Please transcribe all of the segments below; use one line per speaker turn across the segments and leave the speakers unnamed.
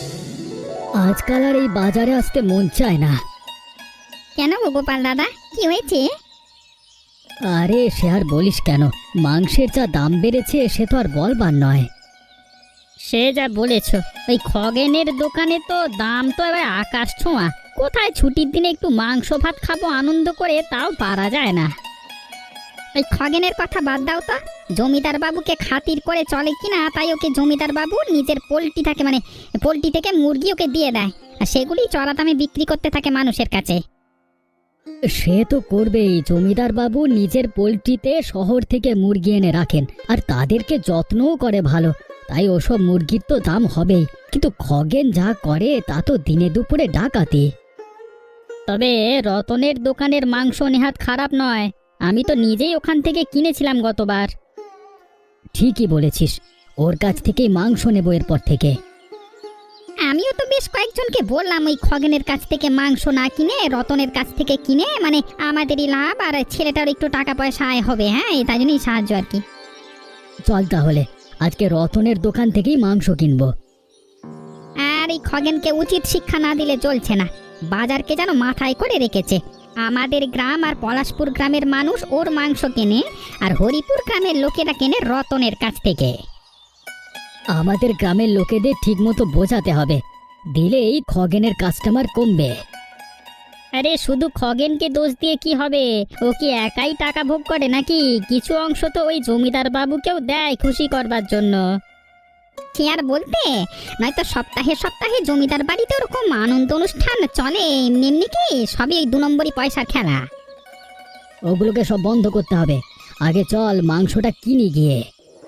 আজকাল আর এই বাজারে আসতে মন চায় না।
কেন গো গোপাল দাদা, কি হয়েছে?
আরে সে আর বলিস কেন, মাংসের যা দাম বেড়েছে সে তো আর বলবার নয়।
সে যা বলেছ, ওই খগেনের দোকানে তো দাম তো এবার আকাশ ছোঁয়া। কোথায় ছুটির দিনে একটু মাংস ভাত খাবো আনন্দ করে, তাও পারা যায় না। ওই খগেনের কথা বাদ দাও তো, জমিদার বাবুকে খাতির করে চলে কিনা, তাই ওকে জমিদার বাবু নিজের পোল্ট্রি থাকে, মানে পোল্ট্রি থেকে মুরগি ওকে দিয়ে দেয়, আর সেগুলি চড়া দামে বিক্রি করতে থাকে মানুষের কাছে।
সে তো করবেই, জমিদার বাবু নিজের পোল্ট্রিতে শহর থেকে মুরগি এনে রাখেন আর তাদেরকে যত্নও করে ভালো, তাই ওসব মুরগির তো দাম হবেই। কিন্তু খগেন যা করে তা তো দিনে দুপুরে ডাকাতি।
তবে রতনের দোকানের মাংস নেহাত খারাপ নয়, আমি তো নিজেই ওখান থেকে কিনেছিলাম গতবার।
ঠিকই বলেছিস, ওর কাছ থেকেই মাংস নেবো এরপর থেকে।
আমিও তো বেশ কয়েকজনকে বললাম ওই খগেনের কাছ থেকে মাংস না কিনে রতনের কাছ থেকে কিনে, মানে আমাদেরই লাভ আর ছেলেটার একটু টাকা পয়সা আয় হবে। হ্যাঁ, তাই জন্যই সাহায্য আর কি।
চল তাহলে আজকে রতনের দোকান থেকেই মাংস কিনবো।
আর এই খগেনকে উচিত শিক্ষা না দিলে চলছে না, বাজারকে যেন মাথায় করে রেখেছে। আমাদের গ্রাম আর পলাশপুর গ্রামের মানুষ ওর মাংস কেনে, আর হরিপুর গ্রামের লোকেরা কেনে রতনের কাছ থেকে।
আমাদের গ্রামের লোকেদের ঠিকমতো বোঝাতে হবে, দিলেই খগেনের কাস্টমার কমবে।
আরে শুধু খগেনকে দোষ দিয়ে কি হবে? ও কি একাই টাকা ভোগ করে নাকি? কিছু অংশ তো ওই জমিদার বাবুকেও দেয় খুশি করবার জন্য। কি আর বলতে, নয়তো সপ্তাহে সপ্তাহে জমিদার বাড়িতে ওরকম আনন্দ অনুষ্ঠান চলে, এমনি এমনি কি সবই এই 2 নম্বরই পয়সার খেলা।
ওগুলোকে সব বন্ধ করতে হবে, আগে চল মাংসটা কিনি গিয়ে।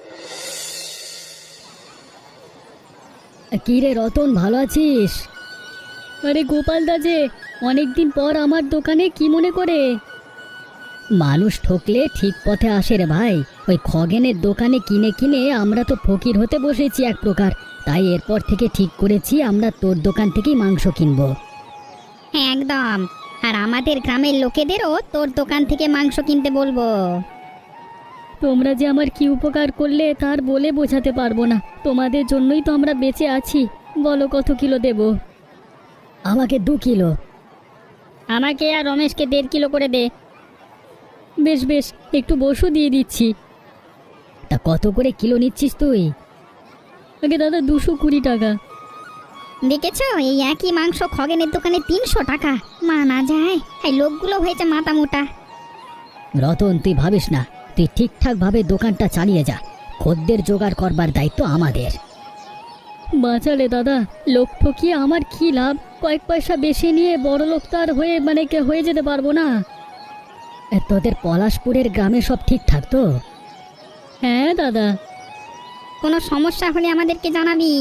কি রে রতন, ভালো আছিস? আরে গোপাল দা যে, অনেকদিন পর আমার দোকানে, কি মনে করে? মানুষ ঠকলে ঠিক পথে আসে রে ভাই। ওই খগেনের দোকানে কিনে কিনে আমরা তো ফকির হতে বসেছি এক প্রকার, তাই এরপর থেকে ঠিক করেছি আমরা তোর দোকান থেকেই মাংস কিনবো।
হ্যাঁ একদম, আর আমাদের গ্রামের লোকেদেরও তোর দোকান থেকে মাংস কিনতে বলবো।
তোমরা যে আমার কি উপকার করলে তার বলে বোঝাতে পারবো না, তোমাদের জন্যই তো আমরা বেঁচে আছি। বলো কত কিলো দেব? আমাকে 2 কিলো।
আমাকে আর রমেশকে 1.5 কিলো করে দে।
বেশ বেশ, একটু বসু দিয়ে দিচ্ছি। তা কত করে কিলো নিচ্ছিস তুই? আগে দাদা 220 টাকা।
দেখেছো, এই একই মাংস খগেনের দোকানে 300 টাকা। মানা যায়, এই লোকগুলো হয়েছে মাথা মোটা।
রতন তুই ভাবিস না, তুই ঠিকঠাক ভাবে দোকানটা চালিয়ে যা, খদ্দের জোগাড় করবার দায়িত্ব আমাদের। বাঁচালে দাদা, লোক ঠকিয়ে আমার কি লাভ? কয়েক পয়সা বেশি নিয়ে বড় লোক তো আর হয়ে যেতে পারবো না। তোদের পলাশপুরের গ্রামে সব ঠিকঠাক তো? হ্যাঁ দাদা।
কোনো সমস্যা হলে আমাদেরকে জানাবি।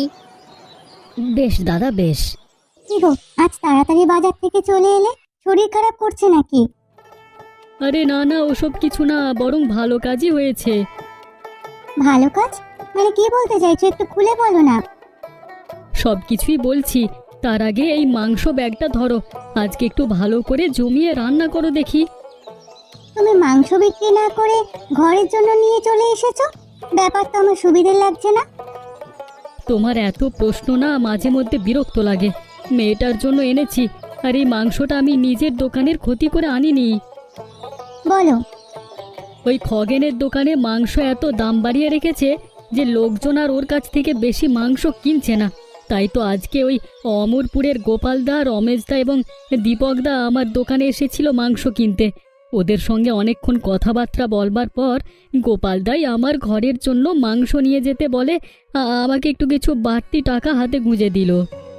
বেশ দাদা বেশ।
কি গো, আজ তাড়াতাড়ি বাজার থেকে চলে এলে? শরীর খারাপ করছে নাকি?
আরে না না, ওসব কিছু না, বরং ভালো কাজই হয়েছে।
ভালো কাজ মানে কি বলতে চাইছো, একটু খুলে বলো না।
সব কিছুই বলছি, তার আগে এই মাংস ব্যাগটা ধরো, আজকে একটু ভালো করে জমিয়ে রান্না করো দেখি।
তুমি মাংস বিক্রি না করে ঘরের জন্য নিয়ে চলে এসেছো, ব্যাপার তো আমার সুবিধে লাগছে না।
তোমার এত প্রশ্ন না মাঝে মধ্যে বিরক্ত লাগে। মেয়েটার জন্য এনেছি, আর এই মাংসটা আমি নিজের দোকানের ক্ষতি করে আনিনি।
বলো।
ওই খগেনের দোকানে মাংস এত দাম বাড়িয়ে রেখেছে যে লোকজন আর ওর কাছ থেকে বেশি মাংস কিনছে না। তাই তো আজকে ওই অমরপুরের গোপালদা, রমেশদা এবং দীপকদা আমার দোকানে এসেছিল মাংস কিনতে। ওদের সঙ্গে অনেকক্ষণ কথাবার্তা বলবার পর গোপালদাই আমার ঘরের জন্য মাংস নিয়ে যেতে বলে, আমাকে একটু কিছু বাড়তি টাকা হাতে গুঁজে দিল।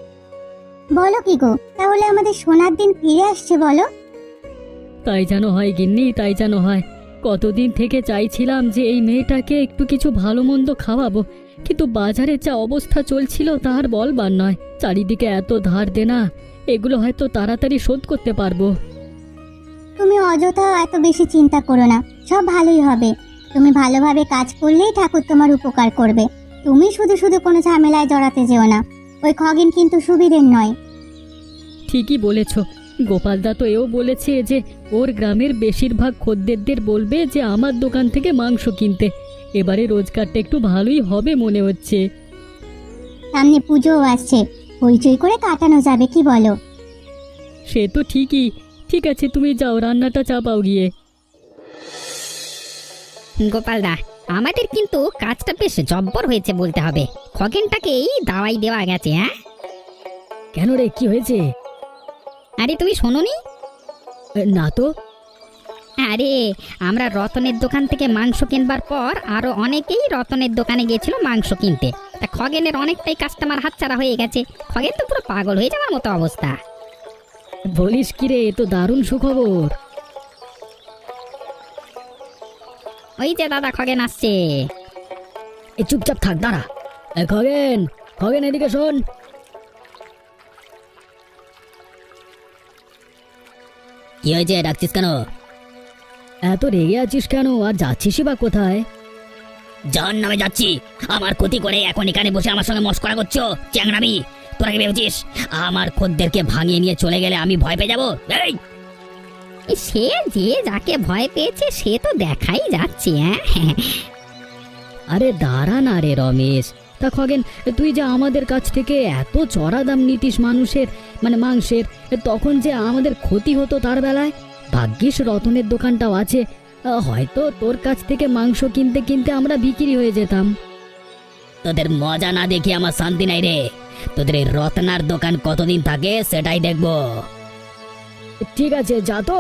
বলো কি গো, তাহলে আমাদের সোনার দিন ফিরে আসছে বলো?
তাই যেন হয় গিন্নি, তাই যেন হয়। কতদিন থেকে চাইছিলাম যে এই মেয়েটাকে একটু কিছু ভালো মন্দ খাওয়াবো, কিন্তু বাজারে যা অবস্থা চলছিল তার বলবার নয়। চারিদিকে এত ধার দেনা, এগুলো হয়তো তাড়াতাড়ি শোধ করতে পারবো।
তুমি অযথা এত বেশি চিন্তা করো না, সব ভালোই হবে। তুমি ভালোভাবে কাজ করলেই ঠাকুর তোমার উপকার করবে। তুমি শুধু শুধু কোনো ঝামেলায় জড়াতে যেও না, ওই খগেন কিন্তু সুবিধের নয়।
ঠিকই বলেছ, গোপালদা তো এও বলেছে যে ওর গ্রামের বেশিরভাগ খদ্দেরদের বলবে যে আমার দোকান থেকে মাংস কিনতে। এবারে রোজগারটা একটু ভালোই হবে মনে হচ্ছে।
সামনে পুজোও আসছে, হইচই করে কাটানো যাবে, কি বলো?
সে তো ঠিকই। ঠিক আছে, তুমি যাও, রান্নাটা চাপাও গিয়ে।
গোপালদা, আমাদের কিন্তু কাজটা বেশ জব্বর হয়েছে বলতে হবে। খগেনটাকেই দাওয়াই দেওয়া গেছে। হ্যাঁ,
কেন রে, কি হয়েছে?
আরে তুমি শোনোনি?
না তো।
আরে, আমরা রতনের দোকান থেকে মাংস কিনবার পর আরো অনেকেই রতনের দোকানে গিয়েছিল মাংস কিনতে। তা খগেনের অনেকটাই কাস্টমার হাতছাড়া হয়ে গেছে। খগেন তো পুরো পাগল হয়ে যাওয়ার মতো অবস্থা।
বলিস কি রে, এ তো দারুণ সুখবর।
ওই যে দাদা, খগেন আসছে।
এ চুপচাপ থাক, দাঁড়া। এ খগেন, খগেন এদিকে শোন।
কি হয়েছে, ডাকছিস কেন?
এত রেগে আছিস কেন, আর যাচ্ছিসই বা কোথায়?
জন নামে যাচ্ছি। আমার ক্ষতি করে এখন এখানে বসে আমার সঙ্গে মস্করা করছো? চ্যাংরামি! তোরা কি ভেবেছিস আমার খদ্দেরকে ভাঙিয়ে নিয়ে চলে গেলে আমি ভয় পেয়ে যাবো? এই, সে যে যাকে ভয় পেয়েছে সে তো দেখাই যাচ্ছে। হ্যাঁ,
আরে দাঁড়া না রে রমেশ। তা খগেন, তুই যে আমাদের কাছ থেকে এত চড়া দাম নিতিস মানুষের, মানে মাংসের, তখন যে আমাদের ক্ষতি হতো তার বেলায়। ভাগ্যিস রতনের দোকানটাও আছে, হয়তো তোর কাছ থেকে মাংস কিনতে কিনতে আমরা বিক্রি হয়ে যেতাম।
তোদের মজা না দেখি আমার শান্তি নাই রে। তোদের এই রত্নার দোকান কতদিন থাকে সেটাই দেখবো।
ঠিক আছে, যা তো।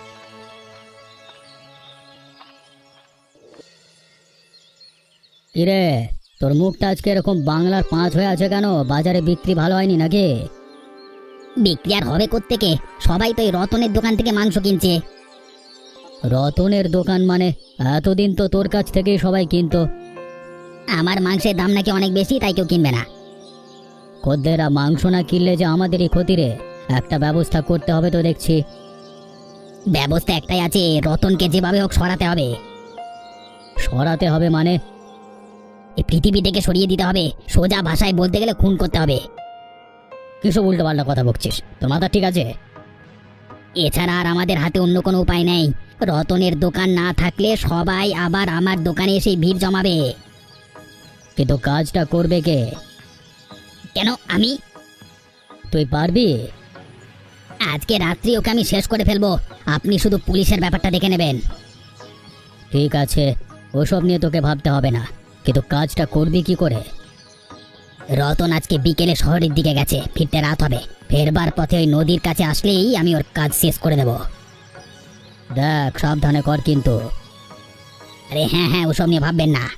কিরে, তোর মুখটা আজকে এরকম বাংলার 5 হয়ে আছে কেন? বাজারে বিক্রি ভালো হয়নি নাকি? বিক্রি আর হবে কোত্থেকে? সবাই তো এই রতনের দোকান থেকে মাংস কিনছে।
রতনের দোকান মানে? এতদিন তো তোর কাছ থেকেই সবাই কিনতো।
আমার মাংসের দাম নাকি অনেক বেশি, তাই কেউ কিনবে না।
খদ্দেরা মাংস না কিনলে যে আমাদেরই ক্ষতি রে। একটা ব্যবস্থা করতে হবে তো দেখছি।
ব্যবস্থা একটাই আছে, রতনকে যেভাবে হোক সরাতে হবে।
সরাতে হবে মানে?
এই পৃথিবী থেকে সরিয়ে দিতে হবে। সোজা ভাষায় বলতে গেলে খুন করতে হবে।
কিসব উল্টো পাল্টা কথা বকছিস? তোর মাথা ঠিক আছে?
এছাড়া আর আমাদের হাতে অন্য কোনো উপায় নেই। রতনের দোকান না থাকলে সবাই আবার আমার দোকানে এসে ভিড় জমাবে।
কিন্তু কাজটা করবে কে?
কেন আমি?
তুই পারবি?
আজকে রাত্রি ওকে আমি শেষ করে ফেলবো। আপনি শুধু পুলিশের ব্যাপারটা দেখে নেবেন।
ঠিক আছে, ওসব নিয়ে তোকে ভাবতে হবে না, কিন্তু কাজটা করবি কি করে?
রতন আজকে বিকেলে শহরের দিকে গেছে, ফিরতে রাত হবে। ফেরবার পথে ওই নদীর কাছে আসলেই আমি ওর কাজ শেষ করে দেব।
দেখ, সাবধানে কর কিন্তু।
আরে হ্যাঁ হ্যাঁ, ওসব নিয়ে ভাববেন না।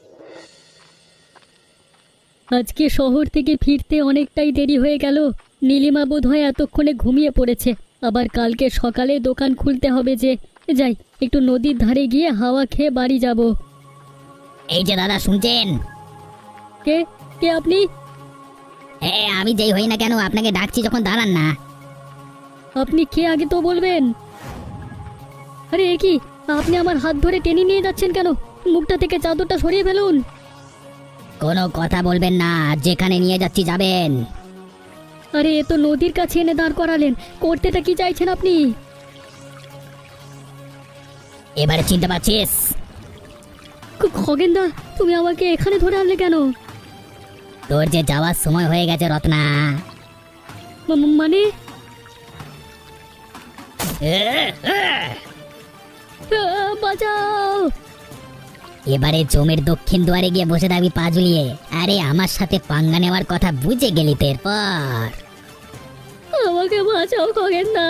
আজকে শহর থেকে ফিরতে অনেকটাই দেরি হয়ে গেল। নীলিমা বোধহয় এতক্ষণে ঘুমিয়ে পড়েছে। আবার কালকে সকালে দোকান খুলতে হবে যে। যাই, একটু নদীর ধারে গিয়ে হাওয়া খেয়ে বাড়ি যাব।
এই যে দাদা, শুনছেন?
কে কে আপনি?
হ্যাঁ, আমি যেই হই না কেন আপনাকে ডাকছি যখন, দাঁড়ান না।
আপনি কে আগে তো বলবেন। আরে এ কি, আপনি আমার হাত ধরে টেনে নিয়ে যাচ্ছেন কেন? মুখটা থেকে চাদরটা সরিয়ে ফেলুন।
কোনো কথা বলবেন না, যেখানে নিয়ে যাচ্ছি যাবেন।
আরে এ তো নদীর কাছে এনে দাঁড় করালেন, করতেটা কি চাইছেন আপনি?
এবারে চিনতে পারছিস?
খগেনদা, তুমি আমাকে এখানে ধরে আনলে কেন?
তোর যে যাওয়ার সময় হয়ে গেছে রত্না।
মানে? বাঁচাও!
এবারে জমির দক্ষিণ দুয়ারে গিয়ে বসে থাকবি পা ঝুলিয়ে। আরে আমার সাথে পাঙ্গা নেওয়ার কথা বুঝে গেলি তো এরপর।
আমাকে বাঁচাও খগেনদা।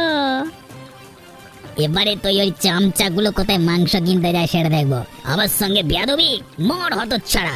এবারে তুই ওই চামচাগুলো কোথায় মাংস কিনতে যায় সেটা দেখবো। আমার সঙ্গে বেয়াদবি, মর হতচ্ছাড়া।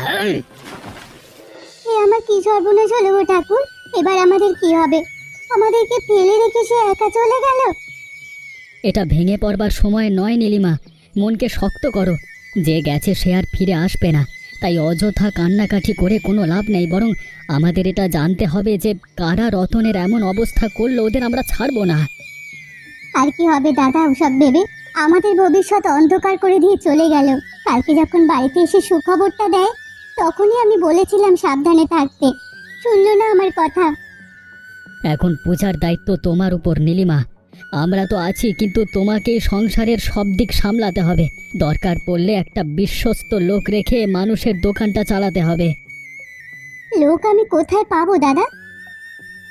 আমার কি সর্বনাশ হলো গো ঠাকুর! এবার আমাদের কি হবে? আমাদেরকে ফেলে রেখে সে একা চলে গেল।
এটা ভেঙে পড়বার সময় নয় নীলিমা, মনকে শক্ত করো। যে গেছে সে আর ফিরে আসবে না, তাই অযথা কান্নাকাটি করে কোনো লাভ নেই। বরং আমাদের এটা জানতে হবে যে কারা রতনের এমন অবস্থা করলো, ওদের আমরা ছাড়বো না।
আর কি হবে দাদা ওসব ভেবে? আমাদের ভবিষ্যৎ অন্ধকার করে দিয়ে চলে গেল। কালকে যখন বাড়িতে এসে সুখবরটা দেয়, তখনই আমি বলেছিলাম সাবধানে থাকতে। শুনলো না আমার কথা।
এখন পূজার দায়িত্ব তোমার উপর নীলিমা। আমরা তো আছি, কিন্তু তোমাকে সংসারের সব দিক সামলাতে হবে। দরকার পড়লে একটা বিশ্বস্ত লোক রেখে মানুষের দোকানটা চালাতে হবে।
লোক আমি কোথায় পাবো দাদা?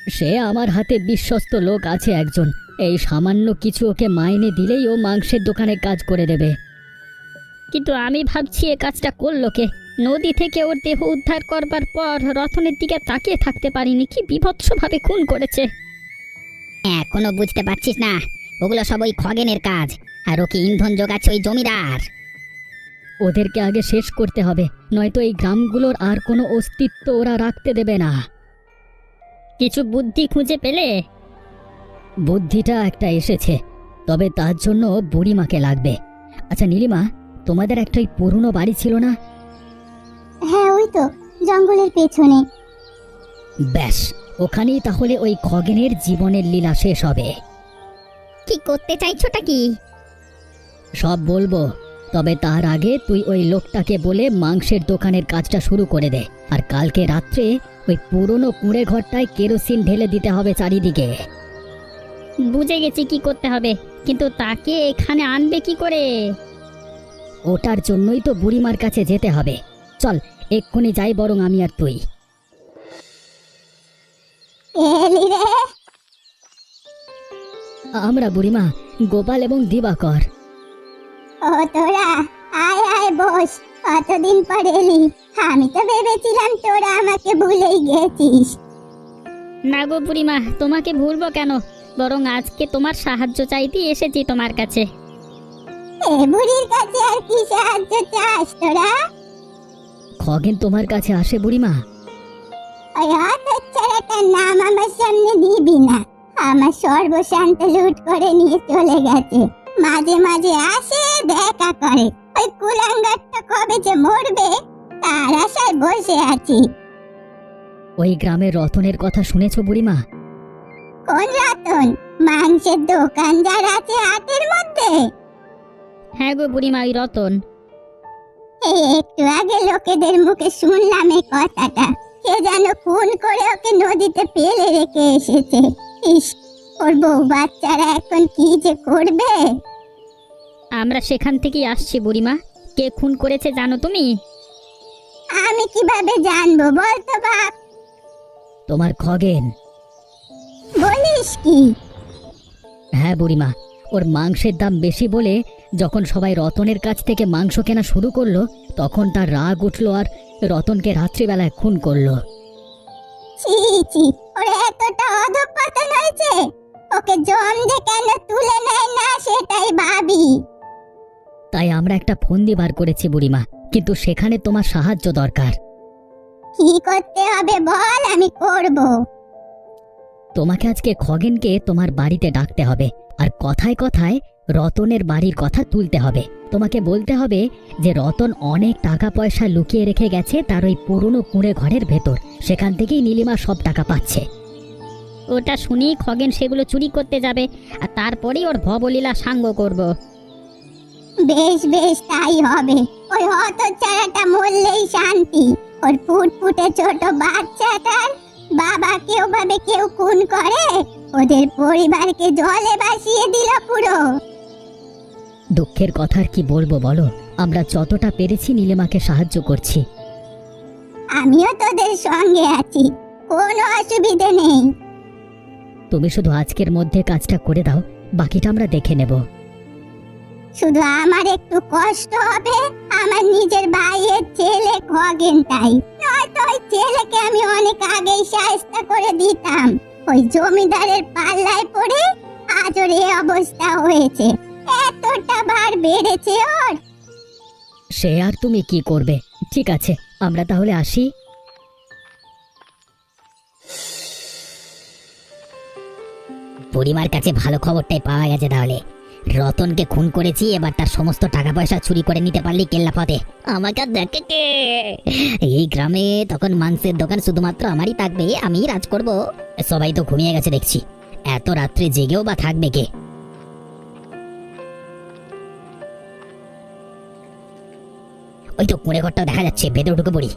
সে আমার হাতে বিশ্বস্ত লোক আছে একজন, এই সামান্য কিছু ওকে মাইনে দিলেই ও মাংসের দোকানে কাজ করে দেবে।
কিন্তু আমি ভাবছি এ কাজটা করলো কে? নদী থেকে ওর দেহ উদ্ধার করবার পর রতনের দিকে তাকিয়ে থাকতে পারিনি, কি বিভৎসভাবে খুন করেছে। এখনো বুঝতে পারছিস না? ওগুলো সব ওই খগেনের কাজ, আর ওকে ইন্ধন যোগাচ্ছে ওই জমিদার।
ওদেরকে আগে শেষ করতে হবে, নয়তো এই গ্রামগুলোর আর কোনো অস্তিত্ব ওরা রাখতে দেবে না।
কিছু বুদ্ধি খুঁজে পেলে?
বুদ্ধিটা একটা এসেছে, তবে তার জন্য বুড়িমাকে লাগবে। আচ্ছা নীলিমা, তোমাদের একটা ওই পুরনো বাড়ি ছিল না?
হ্যাঁ, ওই তো জঙ্গলের পেছনে।
ব্যাস, ওখানেই তাহলে ওই খগেনের জীবনের লীলা শেষ হবে।
কি করতে চাইছোটা কি?
সব বলবো, তবে তার আগে তুই ওই লোকটাকে বলে মাংসের দোকানের কাজটা শুরু করে দে। আর কালকে রাত্রে ওই পুরনো কুঁড়ে ঘরটায় কেরোসিন ঢেলে দিতে হবে চারিদিকে।
বুঝে গেছি কি করতে হবে, কিন্তু তাকে এখানে আনবে কি করে?
ওটার জন্যই তো বুড়িমার কাছে যেতে হবে। চল এক্ষুনি যাই বরং আমি আর তুই।
এলি রে?
আমরা বুড়িমা, গোপাল এবং দিবাকর।
ও তোরা, আয় আয় বস। কতদিন পর এলি? আমি তো ভেবেছিলাম তোরা আমাকে ভুলেই গেছিস।
না গো বুড়িমা, তোমাকে ভুলবো কেন? বরং আজকে তোমার সাহায্য চাইতে এসেছি তোমার কাছে।
এ বুড়ির কাছে আর কি সাহায্য চাস তোরা?
খগেন তোমার কাছে আসে বুড়িমা?
ওই হতচ্ছাড়াটার নাম আমার সামনে দিবি না। আমার সর্বশান্ত লুট করে নিয়ে চলে গেছে। মাঝে মাঝে আসে, দেখা করে। ওই কুলাঙ্গারটা কবে যে মরবে তার আশায় বসে আছি।
ওই গ্রামের রতনের কথা শুনেছো বুড়িমা?
কোন রতন? মাংসের দোকান যার আছে হাটের মধ্যে?
হ্যাঁ গো বুড়িমা, ওই রতন।
এই একটু আগে লোকেদের মুখে শুনলাম এই কথাটা। কে যেন খুন করে ওকে নদীতে ফেলে রেখে এসেছে। ইস, ওর বউ বাচ্চারা এখন কি যে করবে।
আমরা সেখান থেকেই আসছি বুড়িমা। কে খুন করেছে জানো তুমি?
আমি কিভাবে জানবো বলতো বাপ?
তোমার খগেন।
বলিস কি?
হ্যাঁ বুড়িমা, ওর মাংসের দাম বেশি বলে যখন সবাই রতনের কাছ থেকে মাংস কেনা শুরু করলো, তখন তার রাগ উঠলো আর রতনকে রাত্রিবেলায় খুন করলো।
ছি ছি, ওর এতটা অধঃপতন হয়েছে। ওকে জম যে কেন তুলে নেয় না সেটাই ভাবি।
তাই আমরা একটা ফন্দি বার করেছি বুড়িমা, কিন্তু সেখানে তোমার সাহায্য দরকার।
কি করতে হবে বল, আমি করব।
তোমাকে আজকে খগেনকে তোমার বাড়িতে ডাকতে হবে, আর কথায় কথায় রতনের বাড়ির কথা তুলতে হবে। তোমাকে বলতে হবে যে রতন অনেক টাকা পয়সা লুকিয়ে রেখে গেছে তার ওই পুরনো কুঁড়ে ঘরের ভেতর, সেখান থেকেই নীলিমা সব টাকা পাচ্ছে।
ওটা শুনেই খগেন সেগুলো চুরি করতে যাবে, আর তারপরেই ওর ভবলীলা সাঙ্গ করব।
বেশ বেশ, তাই হবে। ওই হতচ্ছাড়াটা মরলেই শান্তি। ওর ফুটফুটে ছোট বাচ্চাটার বাবাকে ওভাবে কেউ খুন করে? ওদের পরিবারকে জলে ভাসিয়ে দিল পুরো।
দুঃখের কথা আর কি বলবো বলো, আমরা যতটা পেরেছি নীলিমাকে সাহায্য করছি।
আমিও তোদের সঙ্গে আছি, কোনো অসুবিধে নেই।
তুমি শুধু আজকের মধ্যে কাজটা করে দাও, বাকিটা আমরা দেখে নেব।
শুধু আমার একটু কষ্ট হবে, আমার নিজের ভাইয়ের ছেলে খগেন, তাই নয়তো ওই ছেলেকে আমি অনেক আগেই সাহায্য করে দিতাম। ওই জমিদারের পাল্লায় পড়ে আজ ওর এই অবস্থা হয়েছে। এতটা ভার বেড়েছে ওর।
সে আর তুমি কি করবে? ঠিক আছে, আমরা তাহলে আসি।
বুড়িমার কাছে ভালো খবরটাই পাওয়া গেছে। তাহলে রতনকে খুন করেছি, এবার তার সমস্ত টাকা পয়সা চুরি করে নিতে পারলি কেল্লা পথে। আমাকে দেখে কে? এই গ্রামে তখন মাংসের দোকান শুধুমাত্র আমারই থাকবে, আমিই রাজ করব। সবাই তো ঘুমিয়ে গেছে দেখছি, এত রাত্রে জেগেও বা থাকবে কে? ওই তো কুঁড়ে ঘরটা দেখা যাচ্ছে, ভেতরে ঢুকে পড়ি।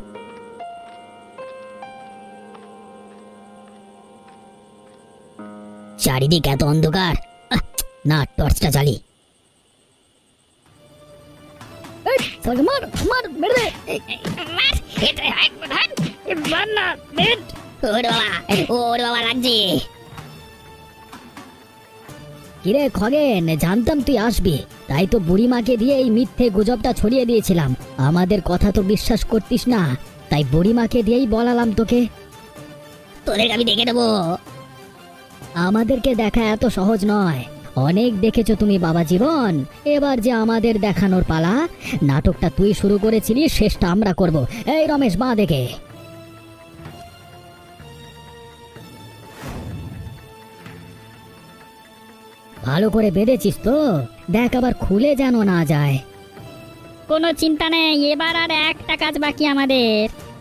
চারিদিক এত অন্ধকার, না টর্চটা জ্বালি। ওরে বাবা, ওরে বাবা লাগছে।
কিরে খগেন, জানতাম তুই আসবি, তাই তো বুড়িমাকে দিয়ে এই মিথ্যে গুজবটা ছড়িয়ে দিয়েছিলাম। আমাদের কথা তো বিশ্বাস করতিস না, তাই বুড়িমাকে দিয়েই বলালাম তোকে।
তোদেরকে আমি দেখে দেবো।
আমাদেরকে দেখা এত সহজ নয়, অনেক দেখেছো তুমি বাবা জীবন। এবার যে আমাদের দেখানোর পালা। নাটকটা তুই শুরু করেছিলি, শেষটা আমরা করব। এই রমেশ, বাঁ দেখে। ভালো করে বেঁধেছিস তো? দেখ আবার খুলে যেন না যায়।
কোনো চিন্তা নেই, এবার আর একটা কাজ বাকি আমাদের।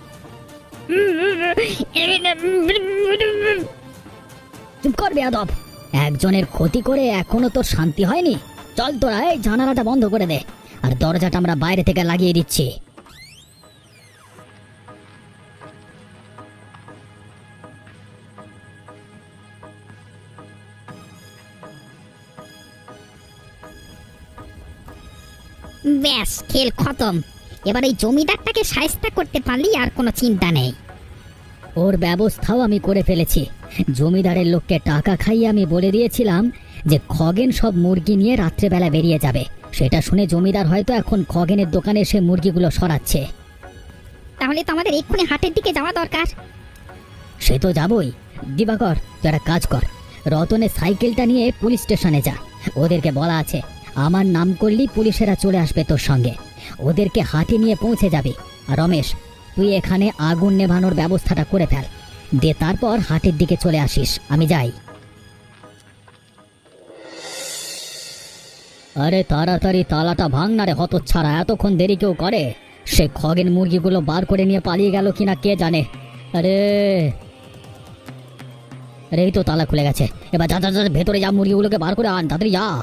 চুপ কর বেয়াদব, একজনের ক্ষতি করে এখনো তোর শান্তি হয়নি? চল তোরা এই জানালাটা বন্ধ করে দে, আর দরজাটা আমরা বাইরে থেকে লাগিয়ে দিচ্ছি।
ব্যাস, খেল খতম। এবার এই জমিদারটাকে শায়েস্তা করতে পারলি আর কোনো চিন্তা নেই।
ওর ব্যবস্থাও আমি করে ফেলেছি। জমিদারের লোককে টাকা খাইয়ে আমি বলে দিয়েছিলাম যে খগেন সব মুরগি নিয়ে রাত্রেবেলা বেরিয়ে যাবে। সেটা শুনে জমিদার হয়তো এখন খগেনের দোকানে এসে মুরগিগুলো সরাচ্ছে।
তাহলে তো আমাদের এক্ষুনি হাটের দিকে যাওয়া দরকার।
সে তো যাবই। দিবাকর, তুই একটা কাজ কর, রতনের সাইকেলটা নিয়ে পুলিশ স্টেশনে যা। ওদেরকে বলা আছে আমার নাম করলেই পুলিশেরা চলে আসবে তোর সঙ্গে। ওদেরকে হাটে নিয়ে পৌঁছে যাবে। আর রমেশ, তুই এখানে আগুন নেভানোর ব্যবস্থাটা করে ফেল, দে তারপর হাটের দিকে চলে আসিস। আমি যাই। আরে তাড়াতাড়ি তালাটা ভাঙ না রে হতচ্ছাড়া, এতক্ষণ দেরি কেউ করে? সে খগেন মুরগিগুলো বার করে নিয়ে পালিয়ে গেল কিনা কে জানে। আরে আরে, এই তো তালা খুলে গেছে। এবার যা যা যা, ভেতরে যা, মুরগিগুলোকে বার করে আন, তাড়াতাড়ি যা।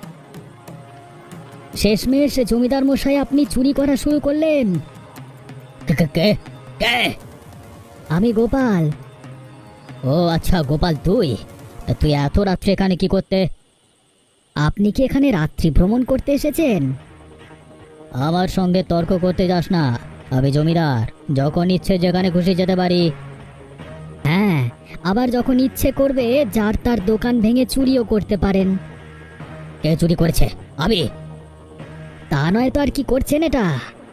শেষমেশ জমিদার মশাই, আপনি চুরি করা শুরু করলেন? কে? আমি গোপাল। ও আচ্ছা গোপাল, তুই এত রাত্রে এখানে কি করতে? আপনি কি এখানে রাত্রি ভ্রমণ করতে এসেছেন? আমার সঙ্গে তর্ক করতে যাস না, আমি জমিদার, যখন ইচ্ছে যেখানে খুশি যেতে পারি। হ্যাঁ, আবার যখন ইচ্ছে করবে যার তার দোকান ভেঙে চুরিও করতে পারেন। কে চুরি করেছে? আমি। তা নয় তো আর কি করছেন এটা?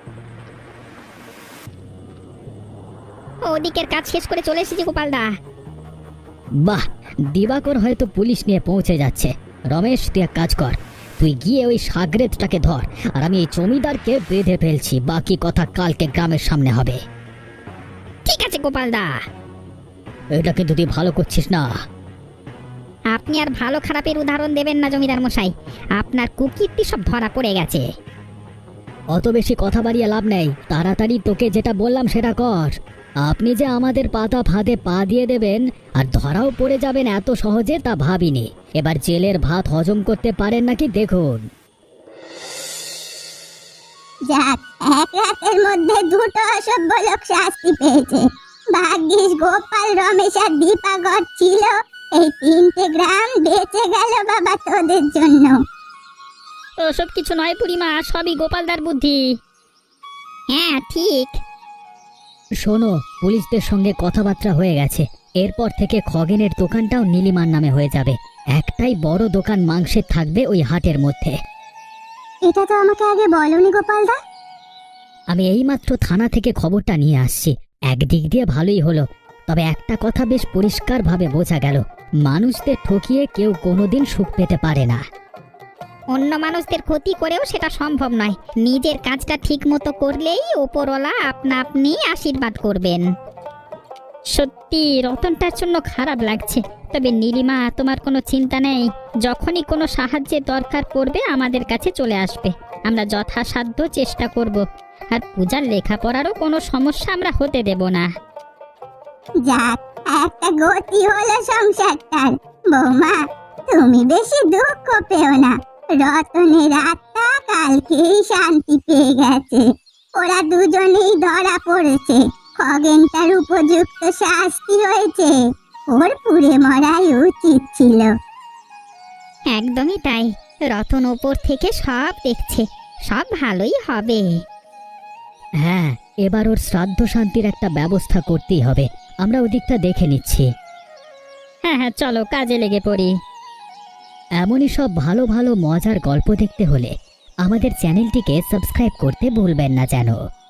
ওদিকের কাজ শেষ করে চলে এসেছি গোপালদা।
বাহ, দিবাকর হয়তো পুলিশ নিয়ে পৌঁছে যাচ্ছে। রমেশ, তুই এক কাজ কর, তুই গিয়ে ওই সাগরেদটাকে ধর, আর আমি এই জমিদারকে বেঁধে ফেলছি। বাকি কথা কালকে গ্রামের সামনে হবে।
ঠিক আছে গোপালদা।
এটা কিন্তু তুই ভালো করছিস না।
আপনি আর ভালো খারাপের উদাহরণ দেবেন না জমিদার মশাই, আপনার কুকীর্তি সব ধরা পড়ে গেছে।
অত বেশি কথা বাড়িয়ে লাভ নেই, তাড়াতাড়ি তোকে যেটা বললাম সেটা কর। আপনি যে আমাদের পাতা ফাঁদে পা দিয়ে দেবেন আর ধরাও পড়ে যাবেন এত সহজে, তা ভাবিনি। এবার জেলের ভাত হজম করতে পারেন নাকি দেখুন।
যাক, এক রাতের মধ্যে দুটো অসভ্য লোক শাস্তি পেয়েছে। ভাগ্যিস গোপাল, রমেশ আর দীপাকর ছিল, এই তিনটে গ্রাম বেঁচে গেল বাবা তোদের জন্য।
ওসব কিছু নয় বুড়িমা, সবই গোপালদার বুদ্ধি। হ্যাঁ ঠিক।
শোনো, পুলিশদের সঙ্গে কথাবার্তা হয়ে গেছে। এরপর থেকে খগেনের দোকানটাও নীলিমার নামে হয়ে যাবে। একটাই বড় দোকান মাংসের থাকবে ওই হাটের মধ্যে।
এটা তো আমাকে আগে বলনি গোপালদা।
আমি এইমাত্র থানা থেকে খবরটা নিয়ে আসছি। একদিক দিয়ে ভালোই হলো, তবে একটা কথা বেশ পরিষ্কারভাবে বোঝা গেল, মানুষদের ঠকিয়ে কেউ কোনোদিন সুখ পেতে পারে না।
অন্য মানুষদের ক্ষতি করেও সেটা সম্ভব নয়। নিজের কাজটা ঠিক মতো করলেই ওপরওয়ালা আপনা আপনি আশীর্বাদ করবেন। সত্যি রতনটার জন্য খারাপ লাগছে, তবে নীলিমা তোমার কোনো চিন্তা নেই। যখনই কোনো সাহায্যের দরকার পড়বে আমাদের কাছে চলে আসবে। আমরা যথাসাধ্য চেষ্টা করব, আর পূজার লেখাপড়ারও কোনো সমস্যা আমরা হতে দেব না।
যাক, একটা গতি হলো সংসারটার। বৌমা, তুমি বেশি দুঃখ পেও না। রতনের আত্মা কালকেই শান্তি পেয়ে গেছে। ওরা দুজনেই ধরা পড়েছে। খগেনটার উপযুক্ত শাস্তি হয়েছে। ওর পুড়ে মরাই উচিত ছিল।
একদমই তাই, রতন ওপর থেকে সব দেখছে, সব ভালোই হবে।
হ্যাঁ, এবার ওর শ্রাদ্ধ শান্তির একটা ব্যবস্থা করতেই হবে। আমরা ওদিকটা দেখে নিচ্ছি।
হ্যাঁ হ্যাঁ, চলো কাজে লেগে পড়ি।
এমনই সব ভালো ভালো মজার গল্প দেখতে হলে আমাদের চ্যানেলটিকে সাবস্ক্রাইব করতে ভুলবেন না যেন।